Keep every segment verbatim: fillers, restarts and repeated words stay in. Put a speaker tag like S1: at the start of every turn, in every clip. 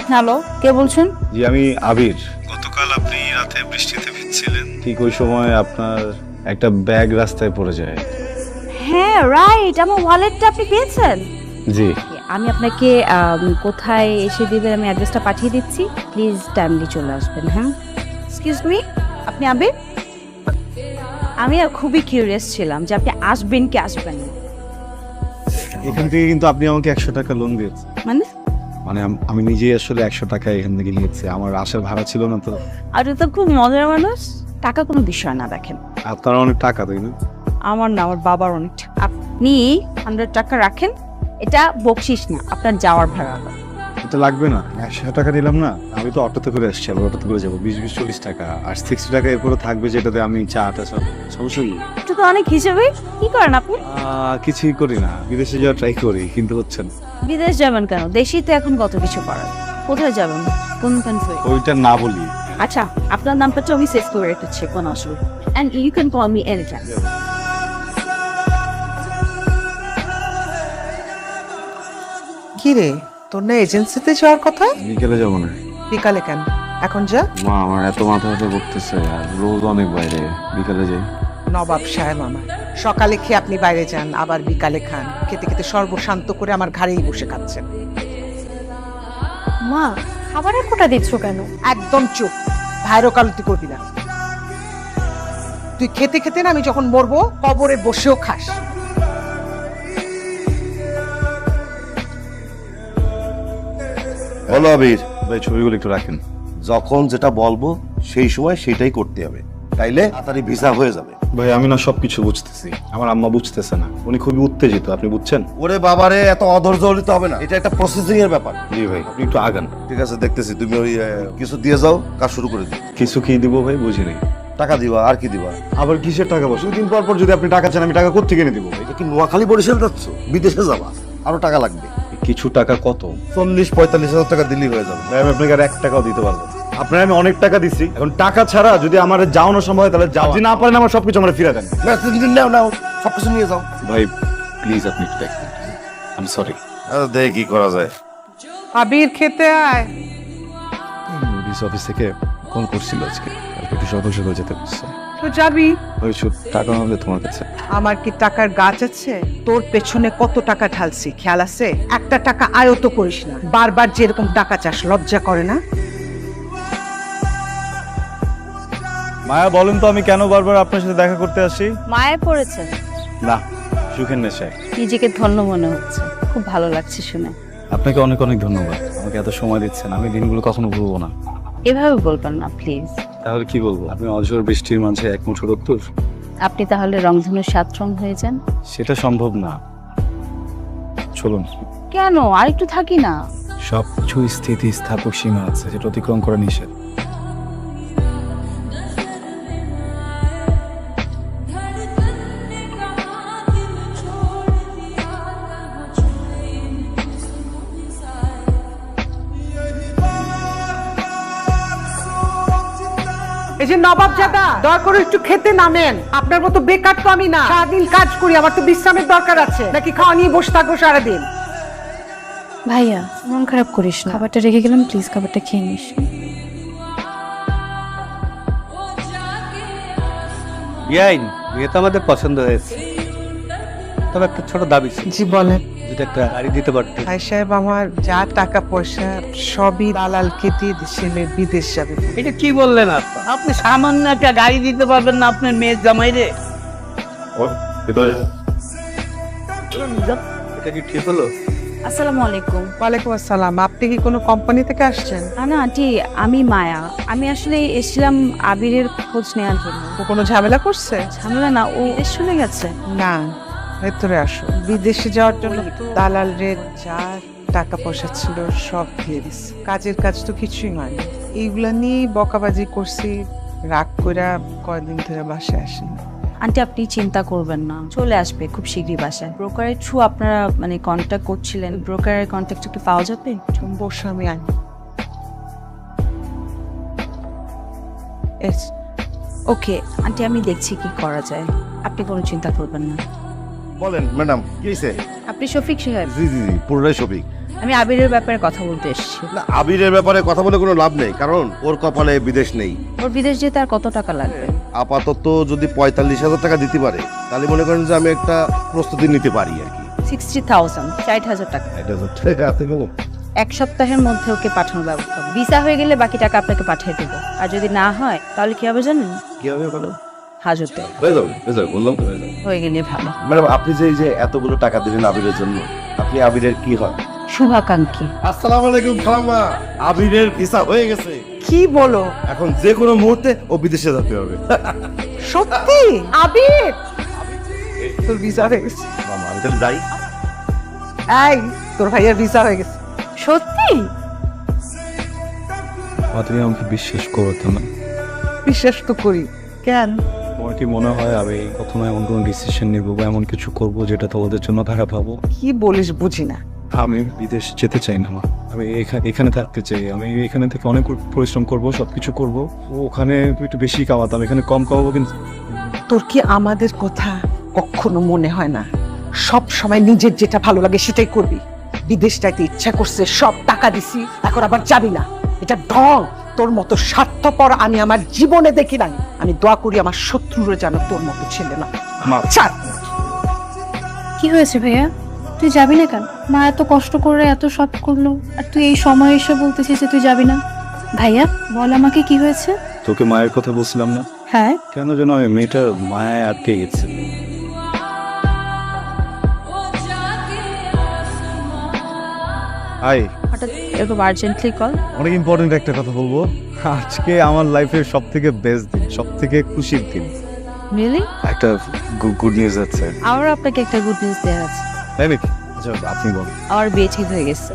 S1: Hello, কে বলছেন?
S2: জি আমি আবির। গতকাল আপনি রাতে বৃষ্টিতে ভিজছিলেন, ঠিক ওই সময় আপনার একটা ব্যাগ রাস্তায় পড়ে যায়।
S1: হ্যাঁ রাইট, আমার ওয়ালেটটা আপনি পেয়েছেন?
S2: জি
S1: আমি আপনাকে আম, কোথায় এসে দিবেন আমি অ্যাড্রেসটা পাঠিয়ে দিচ্ছি, প্লিজ টাইমলি চলে আসবেন। হ্যাঁ, এক্সকিউজ মি, আপনি আবির? আমি আর খুবই কিউরিয়াস ছিলাম যে আপনি আসবেন কি আসবেন না।
S2: এখান থেকে কিন্তু আপনি আমাকে একশো টাকা লোন দিয়েছেন।
S1: মানে
S2: মানে আম- আমি নিজেই আসলে একশো টাকা এখান থেকে নিয়েছি, আমার আসার ভাড়া ছিল না তো।
S1: আপনি তো খুব মজার মানুষ। টাকা কোনো বিষয় না, দেখেন
S2: আপনার অনেক টাকা তাই না?
S1: আমার না, আমার বাবার অনেক টাকা। আপনি হান্ড্রেড টাকা রাখেন, এটা বকশিস না, আপনার যাওয়ার ভাড়া।
S2: এটা লাগবে না, একশো টাকা নিলাম না। আমি তো অটোতে করে আসছি, আবার অটোতে করে যাবো, বিশ বিশ চল্লিশ টাকা আর সিক্সটি টাকা এরপরে থাকবে, যেটাতে আমি চাটা সব সমস্যা নেই।
S1: এটা তো অনেক হিসেবে। কি করেন আপনি?
S2: আহ, কিছুই করি না, বিদেশে যাওয়ার ট্রাই করি কিন্তু হচ্ছে না।
S1: বিদেশ যাবেন কেন? দেশেই তো এখন কত কিছু করার। কোথায় যাবেন, কোন কান্ট্রি?
S2: ওইটা না বলি।
S1: আচ্ছা, আপনার নামটা তো আমি সেভ করে রেখেছি, কোনো অসুবিধা। And you can call me any time.
S3: কি রে, তোর না এজেন্সিতে যাওয়ার কথা?
S2: বিকেলে যাবো না।
S3: বিকালে কেন? এখন যা।
S2: মা আমার এত মাথা ব্যথা করতেছে, আর রোজ অনেক বাইরে, বিকালে যাই।
S3: নবাব সাহেব আমার সকালে খেয়ে আপনি বাইরে যান, আবার বিকালে খান, খেতে খেতে সর্বশান্ত করে আমার ঘাড়েই বসে খাচ্ছেন।
S4: মা, খাবারের কোটা দিচ্ছ কেন?
S3: একদম চুপ, ভাইরো কালতি করবি না। তুই খেতে খেতে না আমি যখন মরবো কবরে বসেও খাস।
S5: বলো আবির,
S2: ভাই ছবিগুলো একটু রাখেন।
S5: যখন যেটা বলবো সেই সময় সেটাই করতে হবে, তাইলে তাড়াতাড়ি ভিসা হয়ে যাবে।
S2: ভাই আমি না সবকিছু বুঝতেছি, আমার আম্মা বুঝতেছে না, উনি খুবই উত্তেজিত, আপনি বুঝছেন?
S5: ওরে বাবারে, এত অধৈর্য হলে তো হবে না, এটা একটা প্রসেসিং এর ব্যাপার।
S2: জি ভাই, আপনি একটু আগান।
S5: ঠিক আছে, দেখতেছি। তুমি ওই আহ, কিছু দিয়ে যাও, কাজ শুরু করে দিও।
S2: কিছু কি দিব ভাই, বুঝি নাই।
S5: টাকা দিবা, আর কি দিবা?
S2: আবার কিসের টাকা? বসে দিন পর পর যদি আপনি টাকা চান, আমি টাকা কোত্থেকে এনে দিব ভাই?
S5: এটা কি নোয়াখালী বরিশাল যাচ্ছ? বিদেশে যাবা, আরো টাকা লাগবে।
S2: কিছু টাকা কত?
S5: চল্লিশ পঁয়তাল্লিশ হাজার টাকা দিলেই হয়ে যাবে।
S2: ভাই আমি আপনাকে আর এক টাকাও দিতে পারবো না। আপনার আমি অনেক টাকা দিছি, এখন টাকা ছাড়া যদি আমার যাওয়ানো সম্ভব হয় তাহলে যাও, যদি না পারেন আমার সবকিছু আমার ফিরে দেন।
S5: না, তুমি নাও নাও, সবকিছু নিয়ে যাও।
S2: ভাই প্লিজ আপনি একটু দেখবেন, আই এম সরি।
S5: দেখি কি করা যায়।
S3: আবির খেতে আয়।
S2: অফিস অফিস থেকে ফোন করছিল আজকে, কালকে একটু সকাল সকাল যেতে বলছে।
S3: তো যাবি।
S2: ওই শুধু টাকা হবে তোমার কাছে?
S3: আমার কি টাকার গাছ আছে? তোর পেছনে কত টাকা ঢালছি খেয়াল আছে? একটা টাকা আয়ত করিস না, বারবার যেরকম টাকা চাস, লজ্জা করে না?
S2: মায়া বলেন তো আমি কেন বারবার আপনার সাথে দেখা করতে আসি?
S1: মায়ে পড়েছে।
S2: না, সুখের নেশায়।
S1: নিজেকে ধন্য মনে হচ্ছে, খুব ভালো লাগছে শুনে।
S2: আপনাকে অনেক অনেক ধন্যবাদ, আমাকে এত সময় দিচ্ছেন, আমি দিনগুলো কখনো ভুলবো না।
S1: এভাবে বলবেন না প্লিজ।
S2: তাহলে কি বলবো? আপনি অঝোর বৃষ্টির মাঝে এক মুঠো রোদ্দুর।
S1: আপনি তাহলে রংধনুর সাত রং হয়ে যান।
S2: সেটা সম্ভব না। চলুন।
S1: কেন, আর একটু থাকি না?
S2: সব কিছু স্থিতি স্থাপক সীমা আছে, যেটা অতিক্রম করা নিষেধ।
S3: এই যে নবাব জাদা, দয়া করে একটু খেতে নামেন। আপনার মতো বেকার তো আমি না, সারাদিন কাজ করি, আমার তো বিশ্রামের দরকার আছে। নাকি খাওয়া নিয়ে বসে থাকবো সারাদিন?
S4: ভাইয়া, মন খারাপ করিস না, খাবারটা রেখে গেলাম, প্লিজ খাবারটা খেয়ে নিস।
S6: বিয়াইন, বিয়ে তো আমাদের পছন্দ হয়েছে, তবে একটা ছোট দাবি ছিল।
S3: জি বলেন।
S6: যদি একটা গাড়ি দিতে পারতে।
S3: ভাই সাহেব, আমার যা টাকা পয়সা সবই দালালকে দিয়ে ছেলে বিদেশ যাবে।
S6: এটা কি বললেন আপনি? আপনি সামান্য একটা গাড়ি দিতে পারবেন না আপনার মেয়ের জামাইরে? এটা কি ঠিক হলো?
S1: আসসালামু আলাইকুম।
S3: ওয়ালাইকুম আসসালাম। আপনি কি কোনো কোম্পানি থেকে আসছেন?
S1: না না আন্টি, আমি মায়া। আমি আসলে এসেছিলাম আবিরের খোঁজ নেওয়ার জন্য।
S3: ও কোনো ঝামেলা করছে?
S1: ঝামেলা না, ও দেশ চলে গেছে।
S3: না, ভেতরে আসো। বিদেশে যাওয়ার জন্য দালাল রে যা টাকা পয়সা ছিল সব দিয়ে দিস। কাজের কাজ তো কিছুই হয়নি। এইগুলা নিয়ে বকাবাজি করছি, রাগ কইরা কয়দিন ধরে বাসায় আসেন।
S1: আন্টি আপনি চিন্তা করবেন না, চলে আসবে খুব শীঘ্রই বাসায়। ব্রোকারের থ্রু আপনারা মানে কন্ট্যাক্ট করছিলেন, ব্রোকারের কন্ট্যাক্ট কি পাওয়া যাবে?
S3: বসে আমি আনি।
S1: ওকে আন্টি, আমি দেখছি কি করা যায়, আপনি কোনো চিন্তা করবেন না।
S5: বলেন ম্যাডাম, কি হয়েছে?
S1: আপনি শফিক সাহেব?
S5: জি জি জি, পুরোটাই শফিক।
S1: আমি আবিরের ব্যাপারে কথা বলতে এসেছি।
S5: না, আবিরের ব্যাপারে কথা বলে কোনো লাভ নেই, কারণ ওর কপালে বিদেশ নেই।
S1: ওর বিদেশ যেতে আর কত টাকা লাগবে?
S5: আপাতত যদি পঁয়তাল্লিশ হাজার টাকা দিতে পারে তাহলে মনে করেন যে আমি একটা প্রস্তুতি নিতে পারি আর কি।
S1: সিক্সটি থাউজেন্ড ষাট হাজার টাকা
S5: এটা তো ঠিক আছে গেল।
S1: এক সপ্তাহের মধ্যে ওকে পাঠানোর ব্যবস্থা হবে। ভিসা হয়ে গেলে বাকি টাকা আপনাকে পাঠিয়ে দেবো, আর যদি না হয় তাহলে কি হবে জানেন?
S5: কি হবে বলো?
S1: হাজতে
S5: হয়ে যাবে, হয়ে যাবে, বললাম তো হয়ে যাবে।
S1: হয়ে গেলে ভালো।
S5: ম্যাডাম, আপনি যে এই যে এতগুলো টাকা দিলেন আবিরের জন্য, আপনি আবিরের কি হয়?
S1: শুভাকাঙ্ক্ষী।
S5: আসসালামু আলাইকুম খালাম্মা, আবিরের ভিসা হয়ে গেছে।
S3: কি বলো?
S5: এখন যে কোনো মুহূর্তে ও বিদেশে যেতে হবে।
S3: সত্যি? আবির তোর ভিসা হয়ে গেছে।
S5: মামা, আমি তাহলে যাই।
S3: এই তোর ভাইয়ের ভিসা হয়ে গেছে।
S1: সত্যি?
S2: তুমি আমাকে বিশ্বাস করতো না?
S3: বিশ্বাস তো করি। কেন?
S2: তোমার কি মনে হয় আমি কখনো এমন কোনো ডিসিশন নিব বা এমন কিছু করব যেটা তোমাদের জন্য খারাপ হবো?
S3: কি বলিস বুঝি না।
S2: আমি বিদেশ যেতে চাই না মা, আমি এখা- এখানে থাকতে চাই। আমি এখানে থেকে অনেক পরিশ্রম করব, সবকিছু করব। ওখানে একটু বেশি কামাতাম, এখানে কম কামাবো। কিন্তু
S3: তোর কি আমাদের কথা কখনো মনে হয় না? সব সময় নিজের যেটা ভালো লাগে সেটাই করবি। বিদেশ যাইতে ইচ্ছা করছে, সব টাকা দিছি, এখন আবার যাবি না। এটা ঢং। তোর মতো স্বার্থপর আমি আমার জীবনে দেখি নাই। আমি দোয়া করি আমার শত্রুরা যেন তোর মতো ছেলে না।
S2: মা,
S3: ছাড়।
S4: কি হয়েছে ভাইয়া? তুই যাবি না কেন? মা এত কষ্ট করে এত সব করলো, আর তুই এই সময় এসে বলতেছিস যে তুই যাবি না। ভাইয়া বল আমাকে কি হয়েছে?
S2: তোকে মায়ের কথা বলছিলাম না?
S4: হ্যাঁ,
S2: কেন যেন আমি মেয়েটার মায়ায় আটকে গেছে। হাই,
S1: হঠাৎ এরকম আর্জেন্টলি কল?
S2: অনেক ইম্পর্টেন্ট একটা কথা বলবো। আজকে আমার লাইফের সব থেকে বেস্ট দিন, সব থেকে খুশির দিন।
S1: রিয়েলি?
S2: একটা গুড নিউজ আছে।
S1: আমারও আপনাকে একটা গুড নিউজ দেওয়ার আছে।
S2: তাই নাকি? আচ্ছা, আপনি বলুন।
S1: আমার বিয়ে ঠিক হয়ে গেছে।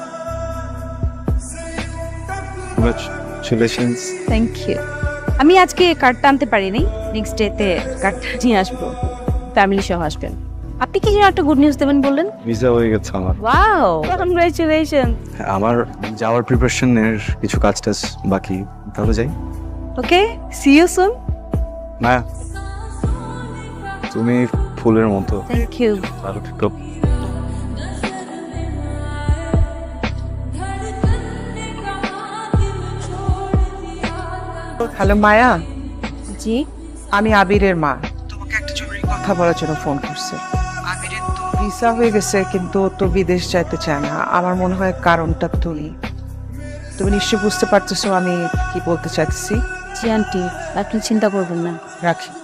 S2: কংগ্রাচুলেশনস।
S1: Thank you. আমি আজকে কার্ডটা আনতে পারিনি, নেক্সট ডেতে কার্ডটা নিয়ে আসবো। ফ্যামিলি সহ আসবেন। আপনি কি যেন একটা গুড নিউজ দেবেন বললেন?
S2: ভিসা হয়ে গেছে আমার।
S1: Wow, congratulation.
S2: আমার যাওয়ার প্রিপারেশনের কিছু কাজ টাজ বাকি, তাহলে যাই।
S1: Okay, see you soon.
S2: না, তুমি ফুলের মতো।
S1: Thank you.
S2: ভালো থেকো।
S3: হ্যালো মায়া,
S1: জি।
S3: আমি আবিরের মা। তোমাকে একটা জরুরি কথা বলার জন্য ফোন করছে। আবিরের তো ভিসা হয়ে গেছে, কিন্তু ও তো বিদেশ যাইতে চায় না। আমার মনে হয় কারণটা তুমি তুমি নিশ্চয়ই বুঝতে পারতেছো আমি কি বলতে চাইতেছি।
S1: জি আন্টি, আপনি চিন্তা করবেন না।
S3: রাখি।